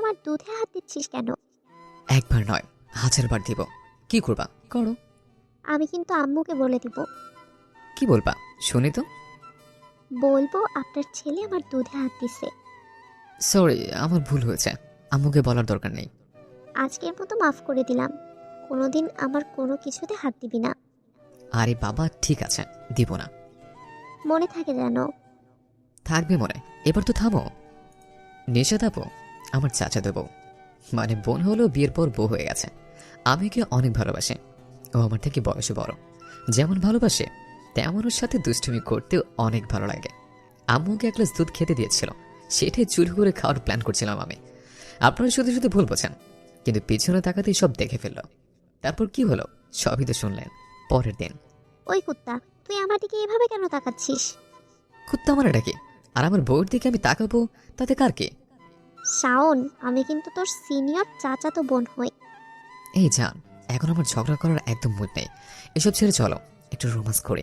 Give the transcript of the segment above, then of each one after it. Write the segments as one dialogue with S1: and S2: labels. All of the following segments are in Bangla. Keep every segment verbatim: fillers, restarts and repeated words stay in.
S1: আমার দুধে হাত দিচ্ছিস কেন?
S2: একবার নয়, হাজার বার দিব। কি করবা করো।
S1: আমি কিন্তু আম্মুকে বলে দিব।
S2: কি বলবা শুনি তো।
S1: বলবো আপনার ছেলে আমার দুধে হাত দিছে।
S2: সরি, আমার ভুল হয়েছে, আম্মুকে বলার দরকার নেই।
S1: আজকের মতো মাফ করে দিলাম, কোনোদিন আমার কোনো কিছুতে হাত দিবি না।
S2: আরে বাবা ঠিক আছে, দিব না।
S1: মনে থাকে যেন।
S2: থাকবে মনে। এবার তো থামো। নিশাদ আপু আমার চাচা দেবো, মানে বোন হলো বিয়ের পর বউ হয়ে গেছে। আমি ওকে অনেক ভালোবাসি। ও আমার থেকে বয়সে বড়। যেমন ভালোবাসে তেমন ওর সাথে দুষ্টুমি করতেও অনেক ভালো লাগে। আম্মুকে এক গ্লাস দুধ খেতে দিয়েছিল, সেটাই চুরি করে খাওয়ার প্ল্যান করছিলাম আমি। আপনারা শুধু শুধু ভুল বোঝেন, কিন্তু পিছনে তাকাতেই সব দেখে ফেলল। তারপর কি হলো সবই তো শুনলেন। পরের দিন।
S1: ওই কুত্তা, তুই আমার দিকে এভাবে কেন তাকাচ্ছিস?
S2: কুত্তা আমার এটা কি? আর আমার বউয়ের দিকে আমি তাকাবো তাতে কার কি?
S1: শাওন, আমি কিন্তু তোর সিনিয়র চাচাতো বোন হই।
S2: এই জান, এখন আমার ঝগড়া করার একদম মুড নেই। এসব ছেড়ে চলো একটু রোমান্স করি।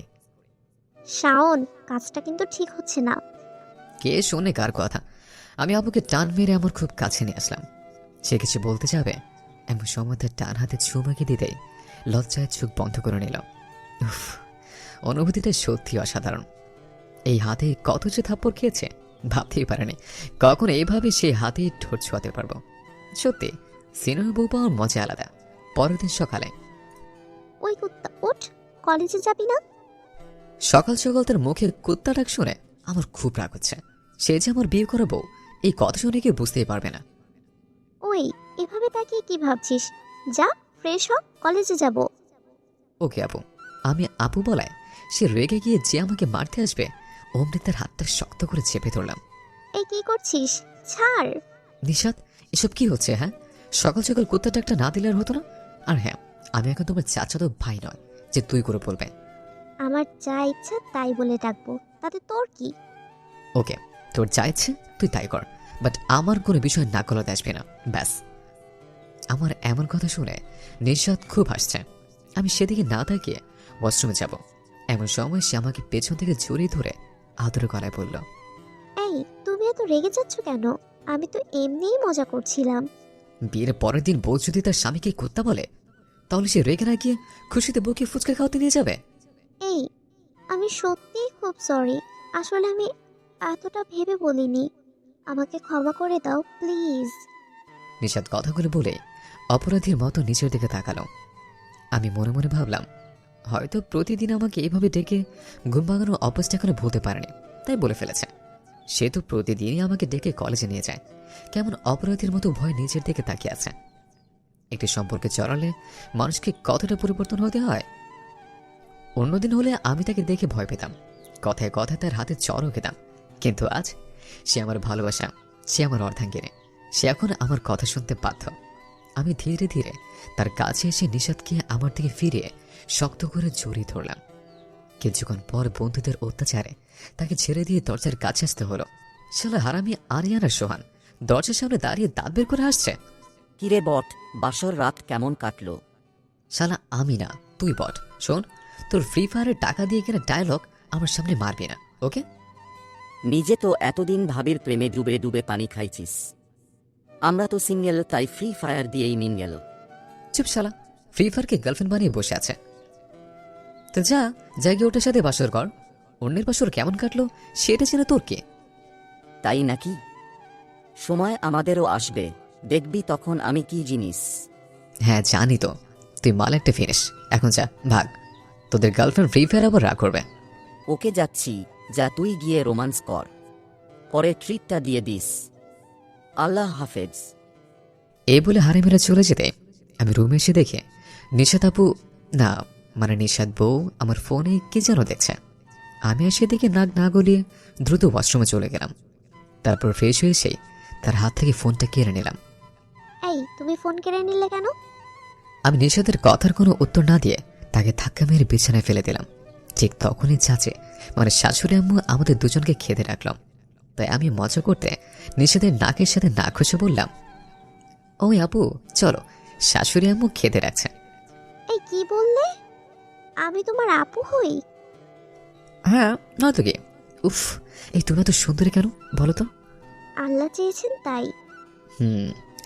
S1: শাওন, কাজটা কিন্তু ঠিক হচ্ছে না।
S2: কে শোনে কার কথা? আমি আপুকে টান মেরে আমার খুব কাছে নিয়ে আসলাম। সে কিছু বলতে যাবে, এমন সময় তার টান হাতে চুমাকে দিতেই লজ্জায় চোখ বন্ধ করে নিল। উফ, অনুভূতিটা সত্যি অসাধারণ। এই হাতে কত যে থাপ্পড় খেয়েছে ভাবতেই পারেনি কখন এইভাবে সেই হাতে ঠোঁট ছোঁয়াতে পারবো। সত্যি সিনেমা বউ পাওয়ার মজা আলাদা। পরের দিন সকালে।
S1: ওই কুত্তা ওঠ, কলেজে যাবি না?
S2: সকাল সকাল তার মুখে কুত্তা ডাক শুনে আমার খুব রাগ হচ্ছে। সে যে আমার বিয়ে করা বউ, এই কথা শুনে কেউ বুঝতেই পারবে না।
S1: ওই, এভাবে তাকিয়ে কি ভাবছিস? যা, ফ্রেশ হ, কলেজে যাব।
S2: ওকে আপু। আমি আপু বলায় সে রেগে গিয়ে যে আমাকে মারতে আসবে অমনি তার হাতটা শক্ত করে চেপে ধরলাম।
S1: এই কি করছিস? ছাড়।
S2: নিশাদ, এসব কি হচ্ছে? হ্যাঁ, সকাল সকাল কুত্তা ডাকটা না দিলে আর হতো না। আর হ্যাঁ, আমি এখন তোমার চাচা তো ভাই নয় যে তুই করে বলবে।
S1: আমার যা ইচ্ছা তাই বলে ডাকবো, তাতে তোর কি?
S2: ওকে, তোর যা ইচ্ছে তুই তাই কর, বাট আমার কোনো বিষয় না গলাতে আসবে না, ব্যাস। আমার এমন কথা শুনে নিশাদ খুব হাসছে। আমি সেদিকে না তাকিয়ে ওয়াশরুমে যাব। এমন সময় সে আমাকে পেছন থেকে জড়িয়ে ধরে আদরে গলায় বলল,
S1: এই, তুমি এত রেগে যাচ্ছ কেন? আমি তো এমনিই মজা করছিলাম।
S2: বিয়ের পরের দিন বউ যদি তার স্বামীকে কুত্তা বলে, তাহলে সে রেগে না গিয়ে খুশিতে বউকে ফুচকা খাওয়াতে নিয়ে যাবে।
S1: এই, আমি সত্যিই খুব সরি। আসলে আমি এতটা ভেবে বলিনি। আমাকে ক্ষমা করে দাও প্লিজ।
S2: নিশাদ কথাগুলো বলে অপরাধীর মতো নিচের দিকে তাকালো। আমি মনে মনে ভাবলাম, হয়তো প্রতিদিন আমাকে এইভাবে ডেকে ঘুম ভাঙানোর অভ্যাসটা এখনো ভুলতে পারেনি, তাই বলে ফেলেছে। সে তো প্রতিদিনই আমাকে ডেকে কলেজে নিয়ে যায়, কেমন অপরাধীর মতো ভয় নিচের দিকে তাকিয়ে আছে। একটি সম্পর্কে জড়ালে মানুষকে কতটা পরিবর্তন হতে হয়। অন্যদিন হলে আমি তাকে দেখে ভয় পেতাম, কথায় কথায় তার হাতে চড়ও খেতাম। কিন্তু আজ সে আমার ভালোবাসা, সে আমার অর্ধাঙ্গিনী। সে এখন আমার কথা শুনতে বাধ্য। আমি ধীরে ধীরে তার কাছে এসে নিশাদকে আমার দিকে ফিরিয়ে শক্ত করে জড়িয়ে ধরলাম। কিছুক্ষণ পর বন্ধুদের অত্যাচারে তাকে ছেড়ে দিয়ে দরজার কাছে আসতে হলো। শালা হারামি আরিয়ানা সোহান দরজার সামনে দাঁড়িয়ে দাঁত বের করে আসছে।
S3: কিরে বট, বাসর রাত কেমন কাটলো?
S2: শালা আমি না, তুই বট। শোন, তোর ফ্রি ফায়ারের টাকা দিয়ে কেনা ডায়লগ আমার সামনে মারবি না, ওকে?
S3: নিজে তো এতদিন ভাবির প্রেমে ডুবে ডুবে পানি খাইছিস। আমরা তো সিঙ্গেল, তাই ফ্রি ফায়ার দিয়েই নিন গেল।
S2: চুপ শালা, ফ্রি ফায়ারকে গার্লফ্রেন্ড বানিয়ে বসে আছে। তো যা, জায়গায় ওটার সাথে বাসর কর। অন্যের বাসর কেমন কাটলো সেটা জেনে তোর কে?
S3: তাই নাকি? সময় আমাদেরও আসবে, দেখবি তখন আমি কি জিনিস।
S2: হ্যাঁ জানি তো, তুই মাল একটা ফিনিস। এখন যা, ভাগ। তোদের গার্লফ্রেন্ড ফ্রি ফায়ার আবার রাগ করবে।
S3: ওকে যাচ্ছি, যা তুই গিয়ে রোমান্স কর, পরে ট্রিটটা দিয়ে দিস। আল্লাহ হাফেজ।
S2: এই বলে হারে মেরে চলে যেতে আমি রুমে এসে দেখে নিশাদ আপু, না মানে নিশাদ বউ আমার ফোনে কি যেন দেখছে। আমি এসে দেখে নাক না গলিয়ে দ্রুত ওয়াশরুমে চলে গেলাম। তারপর ফ্রেশ হয়ে এসে তার হাত থেকে ফোনটা কেড়ে নিলাম।
S1: এই, তুমি ফোন কেড়ে নিলে কেন?
S2: আমি নিশাদের কথার কোনো উত্তর না দিয়ে তাকে ধাক্কা মেরে বিছানায় ফেলে দিলাম। ঠিক তখনই চাচে মানে শাশুড়ি আম্মু আমাদের দুজনকে খেতে রাখলাম। তাই আমি মজা করতে নিশাদের নাকের সাথে নাক ঘষে বললাম, ওই আপু চলো, শাশুড়ি আম্মু খেতে রাখছে।
S1: এই কি বললে? আমি তোমার আপু হই?
S2: হ্যাঁ নয়তো কি। উফ, এই তুমি এত সুন্দরী কেন বলো তো?
S1: আল্লাহ চেয়েছেন তাই।
S2: হুম,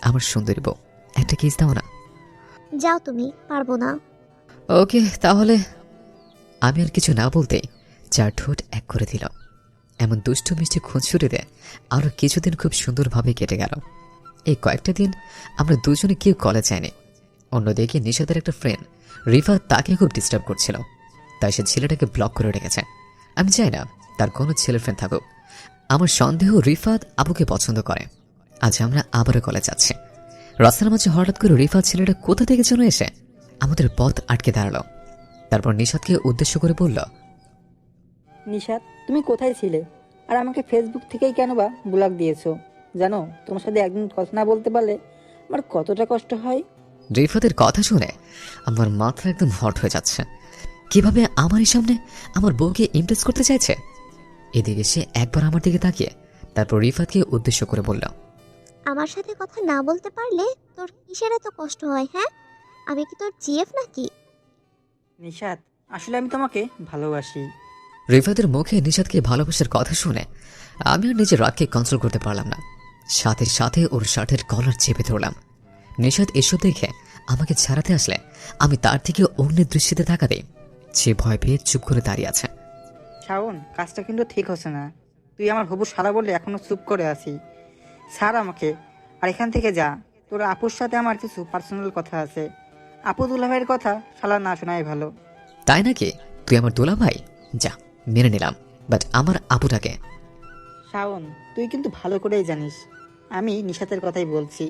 S2: আমার সুন্দরী বউ, একটা কিস দাও না।
S1: যাও তুমি, পারবো না।
S2: ওকে তাহলে। আমি আর কিছু না বলতেই চার ঠোঁট এক করে দিল। এমন দুষ্টু মিষ্টি খুঁজছুটিতে আরও কিছুদিন খুব সুন্দরভাবে কেটে গেল। এই কয়েকটা দিন আমরা দুজনে কেউ কলেজ যায়নি। অন্যদিকে নিশাদের একটা ফ্রেন্ড রিফা তাকে খুব ডিস্টার্ব করছিল, তাই সে ছেলেটাকে ব্লক করে রেখেছে। আমি চাই না তার কোনো ছেলের ফ্রেন্ড থাকুক। আমার সন্দেহ রিফাত আবুকে পছন্দ করে। আজ আমরা আবারও কলেজ যাচ্ছি। রাস্তার মাঝে হঠাৎ করে রিফাত ছেলেটা কোথা থেকে যেন এসে আমাদের পথ আটকে দাঁড়ালো। তারপর নিশাদকে উদ্দেশ্য করে বলল,
S4: নিশাত, তুমি কোথায় ছিলে? আর আমাকে ফেসবুক থেকেই কেন বা ব্লক দিয়েছো? জানো, তোমার সাথে একদিন কথা না বলতে পারলে আমার কতটা কষ্ট হয়।
S2: রিফাতের কথা শুনে আমার মাথা একদম হট হয়ে যাচ্ছে। কিভাবে আমারই সামনে আমার বউকে ইমপ্রেস করতে চাইছে। এদিকে সে একবার আমার দিকে তাকিয়ে তারপর রিফাতকে উদ্দেশ্য করে বলল,
S1: আমার সাথে কথা না বলতে পারলে তোর কিসের এত কষ্ট হয়? হ্যাঁ, আমি কি তোর জিএফ নাকি?
S4: নিশাত, আসলে আমি তোমাকে ভালোবাসি।
S2: রিফাতের মুখে নিশাদকে ভালোবাসার কথা শুনে আমি আর নিজের রাগকে কন্ট্রোল করতে পারলাম না। সাথে সাথে ওর শার্টের কলার চেপে ধরলাম। নিশাদ এসব দেখে আমাকে ছাড়াতে আসলে আমি তার থেকে অন্যের দৃষ্টিতে তাকাতেই সে ভয় পেয়ে চুপ করে দাঁড়িয়ে আছে।
S4: শাওন, কাজটা কিন্তু ঠিক হচ্ছে না। তুই আমার হবু শালা বলে এখনো চুপ করে আছি। ছাড় আমাকে আর এখান থেকে যা। তোর আপুর সাথে আমার কিছু পার্সোনাল কথা আছে। আপু দুলাভাইয়ের কথা শালা না শোনাই ভালো।
S2: তাই নাকি? তুই আমার দোলা ভাই? যা, মেনে নিলাম, বাট আমার আপুটাকে।
S4: শাওন, তুই কিন্তু ভালো করেই জানিস আমি নিশাতের কথাই বলছি।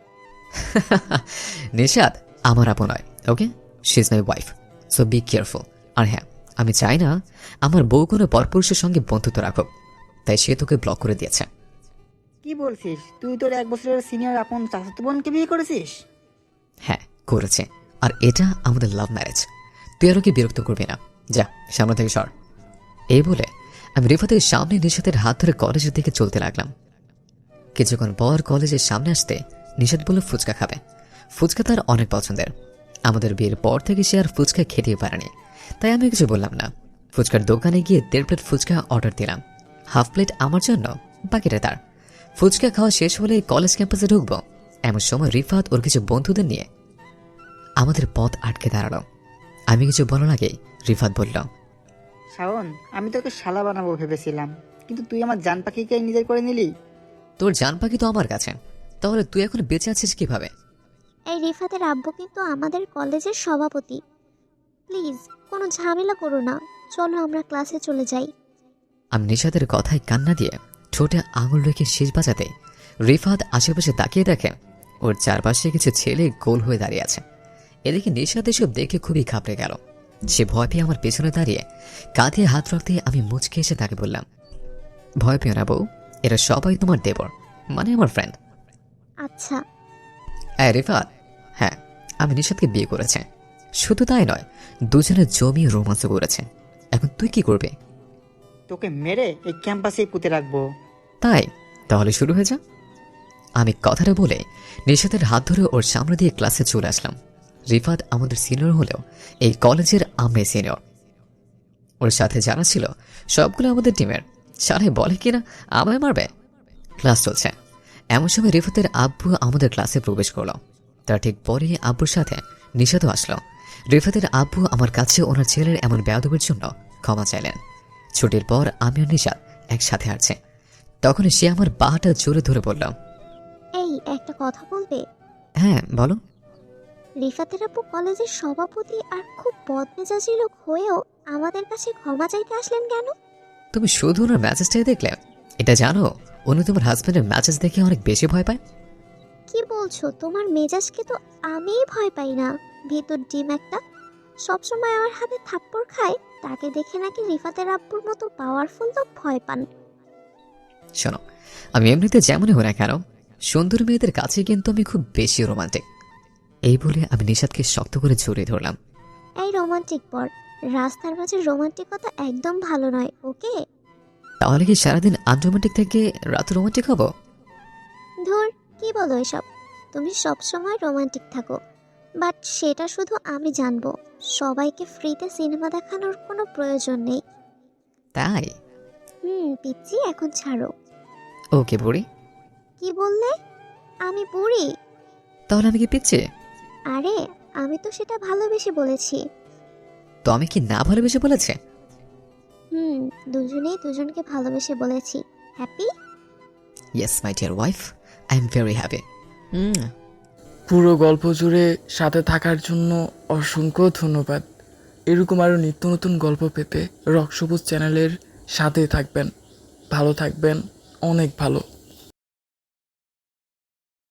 S2: নিশাদ আমার আপু নয়, okay? She is my wife, so be careful. আর হ্যাঁ, আমি চাই না আমার বউ কোনো পরপুরুষের সঙ্গে বন্ধুত্ব রাখুক, তাই সে তোকে ব্লক করে দিয়েছে।
S4: কি বলছিস? তুই তোর এক বছরের সিনিয়র আপন চাচাতো বোনকে বিয়ে করেছিস?
S2: হ্যাঁ, করেছে। আর এটা আমাদের লাভ ম্যারেজ। তুই আরও কি বিরক্ত করবি না? যা, সামনে থেকে সর। এই বলে আমি রিফাতের সামনে নিশাতের হাত ধরে কলেজের দিকে চলতে লাগলাম। কিছুক্ষণ পর কলেজের সামনে আসতে নিশাত বলে ফুচকা খাবে। ফুচকা তার অনেক পছন্দের। আমাদের বিয়ের পর থেকে সে আর ফুচকা খেতেই পারেনি, তাই আমি কিছু বললাম না। ফুচকার দোকানে গিয়ে দেড় প্লেট ফুচকা অর্ডার দিলাম। হাফ প্লেট আমার জন্য, বাকিটা তার। ফুচকা খাওয়া শেষ হলে কলেজ ক্যাম্পাসে ঢুকবো, এমন সময় রিফাত ওর কিছু বন্ধুদের নিয়ে আমাদের পথ আটকে দাঁড়ালো। আমি কিছু বলার আগেই রিফাত বলল,
S4: শাওন, আমি তোকে শালা বানাবো ভেবেছিলাম, কিন্তু তুই আমার জান পাখিকে নিজের করে নিলি।
S2: তোর জান পাখি তো আমার কাছে, তাহলে তুই এখন বেঁচে আছিস কিভাবে?
S1: এই রিফাতের আব্বু কিন্তু আমাদের কলেজের সভাপতি। প্লিজ কোনো ঝামেলা করো না, চলো আমরা ক্লাসে চলে যাই।
S2: আমি নিশাদের কথায় কান্না দিয়ে ঠোঁটে আঙুল রেখে শেষ বাজাতে রিফাত আশেপাশে তাকিয়ে দেখে ওর চারপাশে কিছু ছেলে গোল হয়ে দাঁড়িয়ে আছে। এদিকে নিশাদ এসব দেখে খুবই ঘাবড়ে গেল। সে ভয় পেয়ে আমার পেছনে দাঁড়িয়ে কাঁধে হাত রাখতে আমি মুচকে এসে তাকে বললাম, ভয় পেও না বউ, এরা সবাই তোমার দেবর, মানে আমার ফ্রেন্ড।
S1: আচ্ছা।
S2: হ্যাঁ রিফাত, হ্যাঁ আমি নিশাদকে বিয়ে করেছে। শুধু তাই নয়, দুজনে জমি রোমাঞ্চ করেছে। এখন তুই কি করবে?
S4: তোকে মেরে এই ক্যাম্পাসে পুঁতে রাখবো।
S2: তাই তাহলে শুরু হয়ে যা। আমি কথাটা বলে নিশাতের হাত ধরে ওর সামনে দিয়ে ক্লাসে চলে আসলাম। রিফাত আমাদের সিনিয়র হলেও এই কলেজের আমরাই সিনিয়র। ওর সাথে যারা ছিল সবগুলো আমাদের টিমের। সারে বলে কিনা আমায় মারবে। ক্লাস চলছে, এমন সময় রিফাতের আব্বু আমাদের ক্লাসে প্রবেশ করলো। তার ঠিক পরে আব্বুর সাথে নিশাতও আসলো। রিফাতের আব্বু আমার কাছে ওনার ছেলের এমন বেয়াদবির জন্য ক্ষমা চাইলেন। ছুটির পর আমি ও নিশাত একসাথে আসছে, তখন সে আমার বাহাটা জোরে ধরে বলল,
S1: এই একটা কথা বলবে?
S2: হ্যাঁ বলো।
S1: রিফাতের আব্বু কলেজের সভাপতি আর খুব বদমেজাজি লোক হয়েও আমাদের কাছে ক্ষমা চাইতে আসলেন কেন?
S2: তুমি শুধু ওনার ম্যাচেসটাই দেখলে? এটা জানো উনি তোমার হাজব্যান্ডের ম্যাচেস দেখে অনেক বেশি ভয় পায়।
S1: কি বলছো? তোমার মেজাজকে তো আমিই ভয় পাই না। ভিতর ডিম একটা, সবসময় আমার হাতে থাপ্পড় খায়, তাকে দেখে নাকি রিফাতের আব্বুর মতো পাওয়ারফুল লোক ভয় পান।
S2: শোনো, আমি এমনিতে যেমনই হই না কেন, সুন্দর মেয়েদের কাছে কিন্তু আমি খুব বেশি রোমান্টিক। এই বলে আমি নিশাদকে শক্ত করে জড়িয়ে ধরলাম।
S1: এই রোমান্টিক পর, রাস্তার মাঝে রোমান্টিকতা একদম ভালো নয়, ওকে?
S2: তাহলে কি সারাদিন আনরোমান্টিক থেকে রাতে রোমান্টিক হবো?
S1: ধুর, কি বলো এসব? তুমি সবসময় রোমান্টিক থাকো, বাট সেটা শুধু আমি জানবো। সবাইকে ফ্রিতে সিনেমা দেখানোর কোনো প্রয়োজন নেই।
S2: তাই?
S1: হুম পিচ্ছি, এখন ছাড়ো।
S2: ওকে বুড়ি।
S1: কি বললে? আমি বুড়ি।
S2: তাহলে আমি কি পিচ্ছি?
S1: আরে আমি তো সেটা ভালোবেসে বলেছি।
S2: তো আমি কি না ভালোবেসে বলেছে?
S1: হুম, দুজনেই দুজনকে ভালোবেসে বলেছি। Happy?
S2: Yes my dear wife, I am very happy.
S5: পুরো গল্প জুড়ে সাথে থাকার জন্য অসংখ্য ধন্যবাদ। এরকম আরও নিত্য নতুন গল্প পেতে রক সবুজ চ্যানেলের সাথে থাকবেন। ভালো থাকবেন, অনেক ভালো।